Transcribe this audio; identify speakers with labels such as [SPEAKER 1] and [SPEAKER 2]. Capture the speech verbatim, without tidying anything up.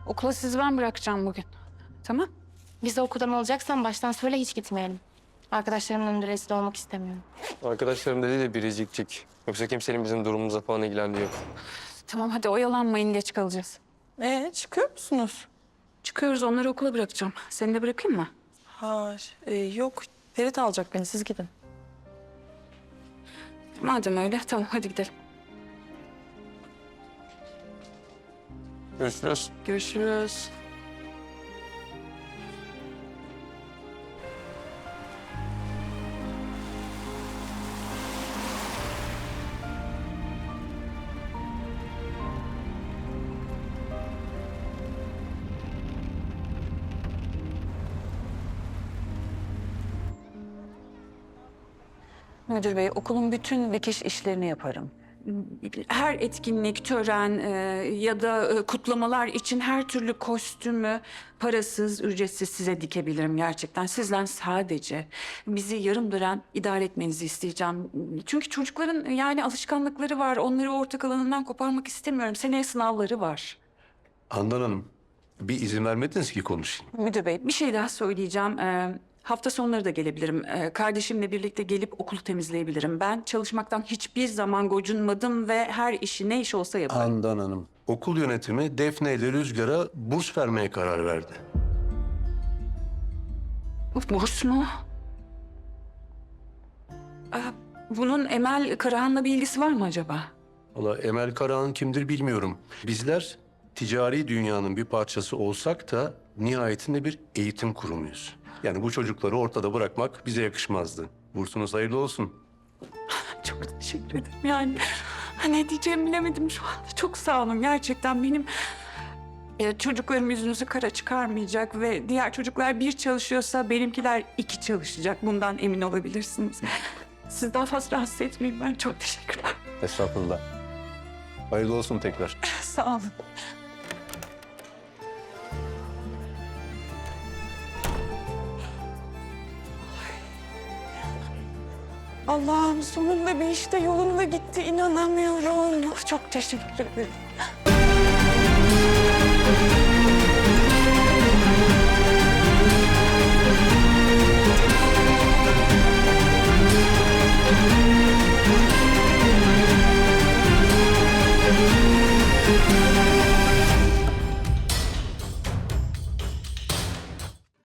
[SPEAKER 1] Okula sizi ben bırakacağım bugün. Tamam.
[SPEAKER 2] Bizi okuldan alacaksan baştan söyle, hiç gitmeyelim. Arkadaşlarımın önünde rezil olmak istemiyorum.
[SPEAKER 3] Arkadaşlarım dedi de biricikcik. Yoksa kimsenin bizim durumumuza falan ilgilendiği yok.
[SPEAKER 1] Tamam hadi oyalanmayın, geç kalacağız.
[SPEAKER 4] Ee, çıkıyor musunuz?
[SPEAKER 1] Çıkıyoruz, onları okula bırakacağım. Seni de bırakayım mı?
[SPEAKER 4] Ha, e, yok. Ferit alacak beni, siz gidin.
[SPEAKER 1] Madem öyle tamam hadi gidelim.
[SPEAKER 3] Görüşürüz.
[SPEAKER 1] Görüşürüz.
[SPEAKER 5] Müdür bey, okulun bütün dikiş işlerini yaparım.
[SPEAKER 1] Her etkinlik, tören e, ya da e, kutlamalar için her türlü kostümü parasız, ücretsiz size dikebilirim gerçekten. Sizden sadece bizi yarım dönem idare etmenizi isteyeceğim. Çünkü çocukların yani alışkanlıkları var. Onları ortak alanından koparmak istemiyorum. Seneye sınavları var.
[SPEAKER 6] Handan Hanım, bir izin vermediniz ki konuşayım.
[SPEAKER 1] Müdür bey bir şey daha söyleyeceğim. Ee, hafta sonları da gelebilirim. Ee, kardeşimle birlikte gelip okulu temizleyebilirim. Ben çalışmaktan hiçbir zaman gocunmadım ve her işi ne iş olsa yaparım.
[SPEAKER 6] Handan Hanım, okul yönetimi Defne ile Rüzgar'a burs vermeye karar verdi.
[SPEAKER 1] Burs mu? Aa, bunun Emel Karahan'la bir ilgisi var mı acaba?
[SPEAKER 6] Valla Emel Karahan kimdir bilmiyorum. Bizler ticari dünyanın bir parçası olsak da nihayetinde bir eğitim kurumuyuz. Yani bu çocukları ortada bırakmak bize yakışmazdı. Bursunuz hayırlı olsun.
[SPEAKER 1] Çok teşekkür ederim yani. Ne diyeceğimi bilemedim şu anda. Çok sağ olun gerçekten benim... e, çocuklarım yüzünüzü kara çıkarmayacak ve diğer çocuklar bir çalışıyorsa benimkiler iki çalışacak. Bundan emin olabilirsiniz. Siz daha fazla rahatsız etmeyin, ben çok teşekkürler.
[SPEAKER 6] Estağfurullah. Hayırlı olsun tekrar.
[SPEAKER 1] Sağ olun.
[SPEAKER 4] Allah'ım, sonunda bir işte yolunda gitti. İnanamıyorum. Çok teşekkür ederim.